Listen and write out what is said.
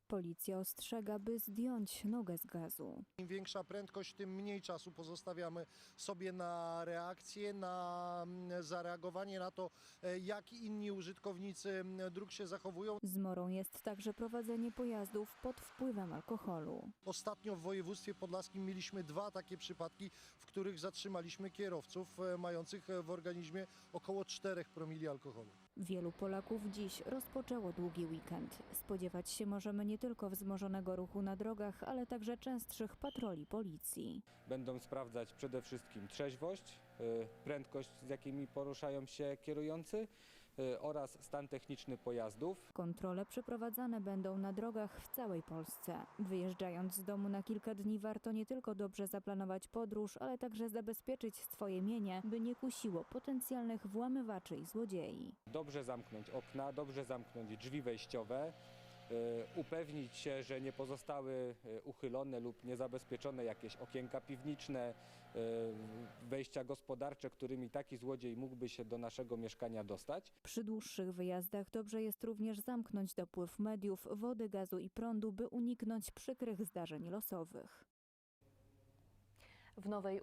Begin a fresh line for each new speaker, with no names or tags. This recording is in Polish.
Policja ostrzega, by zdjąć nogę z gazu.
Im większa prędkość, tym mniej czasu pozostawiamy sobie na reakcję, na zareagowanie na to, jak inni użytkownicy dróg się zachowują.
Zmorą jest także prowadzenie pojazdów pod wpływem alkoholu.
Ostatnio w województwie podlaskim mieliśmy 2 takie przypadki, w których zatrzymaliśmy kierowców mających w organizmie około 4 promili alkoholu.
Wielu Polaków dziś rozpoczęło długi weekend. Spodziewać się możemy nie tylko wzmożonego ruchu na drogach, ale także częstszych patroli policji.
Będą sprawdzać przede wszystkim trzeźwość, prędkość, z jakimi poruszają się kierujący oraz stan techniczny pojazdów.
Kontrole przeprowadzane będą na drogach w całej Polsce. Wyjeżdżając z domu na kilka dni warto nie tylko dobrze zaplanować podróż, ale także zabezpieczyć swoje mienie, by nie kusiło potencjalnych włamywaczy i złodziei.
Dobrze zamknąć okna, dobrze zamknąć drzwi wejściowe, upewnić się, że nie pozostały uchylone lub niezabezpieczone jakieś okienka piwniczne, wejścia gospodarcze, którymi taki złodziej mógłby się do naszego mieszkania dostać.
Przy dłuższych wyjazdach dobrze jest również zamknąć dopływ mediów, wody, gazu i prądu, by uniknąć przykrych zdarzeń losowych.
W Nowej